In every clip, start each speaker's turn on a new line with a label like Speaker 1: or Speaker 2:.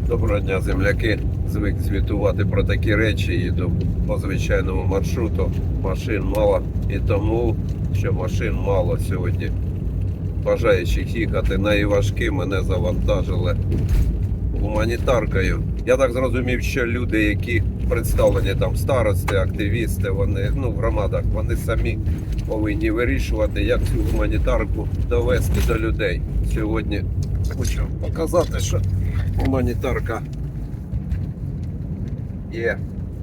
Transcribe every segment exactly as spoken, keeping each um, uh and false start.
Speaker 1: Доброго дня, земляки. Звик звітувати про такі речі, їду по звичайному маршруту. Машин мало і тому, що машин мало сьогодні. Бажаючих їхати на Івашки мене завантажили гуманітаркою. Я так зрозумів, що люди, які представлені там старости, активісти, вони ну в громадах, вони самі повинні вирішувати, як цю гуманітарку довести до людей. Сьогодні хочу показати, що гуманітарка є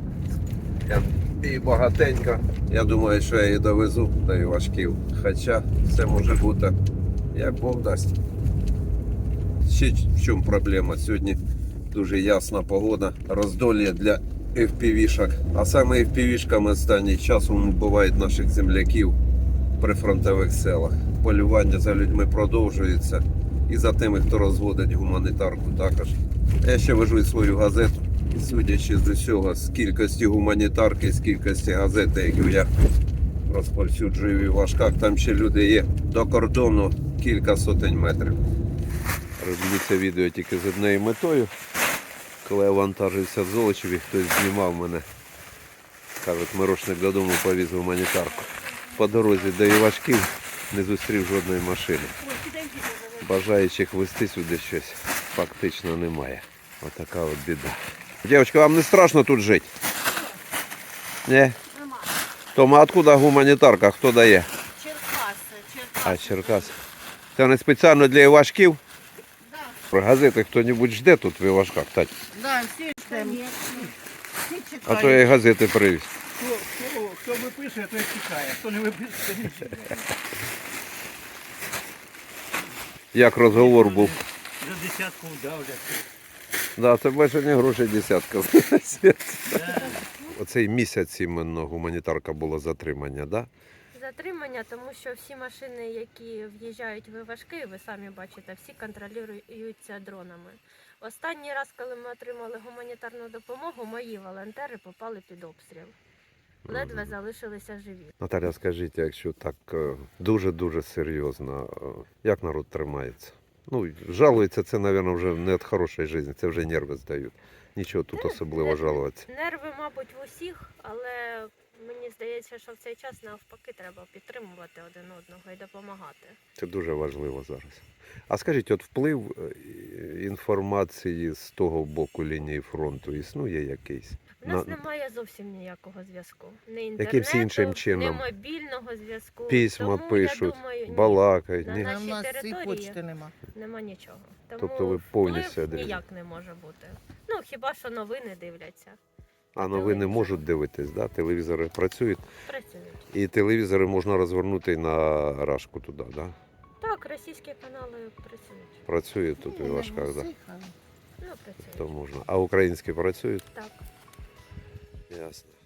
Speaker 1: і багатенька. Я думаю, що я її довезу до Івашків. Хоча все може бути, як Бог дасть. Ще в чому проблема? Сьогодні дуже ясна погода, роздолі для еф пі ві-шок. А саме еф пі ві-шками останній часом вбивають наших земляків при фронтових селах. Полювання за людьми продовжується. І за тими, хто розводить гуманітарку також. Я ще вожу і свою газету. І судячи з усього, з кількості гуманітарки, з кількості газети, яку я розповсюджую в Івашках, там ще люди є до кордону кілька сотень метрів. Роблю це відео тільки з однією метою. Коли я вантажився в Золочеві, хтось знімав мене. Кажуть, Мирошник додому повіз гуманітарку. По дорозі до Івашків не зустрів жодної машини. Бажаючих везти сюди щось фактично немає. Отака от біда. Дівчатка, вам не страшно тут жити? Ні?
Speaker 2: Нема.
Speaker 1: Тома, откуда гуманітарка? Хто дає?
Speaker 2: Черкаси, Черкаси.
Speaker 1: А, Черкас. Це не спеціально для Івашків?
Speaker 2: Да.
Speaker 1: Про газети хто-небудь жде тут в Івашках, Тать?
Speaker 2: Да, всі ждемо. Всі чекають.
Speaker 1: А то я і газети привіз.
Speaker 3: Хто, хто, хто виписує, той чекає. Хто не виписує, то не чекає.
Speaker 1: Як розговор був?
Speaker 3: За десятку вдавлять.
Speaker 1: Да, це більше не грошей десятка.
Speaker 3: Да.
Speaker 1: Оцей місяць іменно гуманітарка була затримання, да?
Speaker 4: Затримання, тому що всі машини, які в'їжджають в Івашки, ви самі бачите, всі контролюються дронами. Останній раз, коли ми отримали гуманітарну допомогу, мої волонтери попали під обстріл. Ледве залишилися живі.
Speaker 1: Наталя, скажіть, якщо так е, дуже-дуже серйозно, е, як народ тримається? Ну, жалується, це, мабуть, вже не від хорошої життя, це вже нерви здають. Нічого тут особливо
Speaker 4: Не-
Speaker 1: жалуватися.
Speaker 4: Нерви, мабуть, в усіх, але мені здається, що в цей час навпаки треба підтримувати один одного і допомагати.
Speaker 1: Це дуже важливо зараз. А скажіть, от вплив е, інформації з того боку лінії фронту існує якийсь?
Speaker 4: У нас
Speaker 1: На-
Speaker 4: немає зовсім ніякого зв'язку. Не
Speaker 1: Якимсь
Speaker 4: інтернету,
Speaker 1: іншим чином?
Speaker 4: не мобільного зв'язку.
Speaker 1: Письма
Speaker 4: Тому,
Speaker 1: пишуть,
Speaker 4: я думаю, ні,
Speaker 1: балакають.
Speaker 4: на
Speaker 1: Ні?
Speaker 4: нашій
Speaker 2: А в нас і
Speaker 4: території
Speaker 2: почти нема.
Speaker 4: нема нічого. Тому
Speaker 1: Тобто ви повністю
Speaker 4: вплив
Speaker 1: відрізані?
Speaker 4: ніяк не може бути. Ну, хіба що новини дивляться,
Speaker 1: А новини можуть дивитись, да? Телевізори працюють.
Speaker 4: працюють.
Speaker 1: І телевізори можна розвернути на рашку туди, да?
Speaker 4: Так, російські канали працюють.
Speaker 1: Працює тут у Івашках, да?
Speaker 4: Ну, працюють.
Speaker 1: То можна. А українські працюють?
Speaker 4: Так.
Speaker 1: Ясно.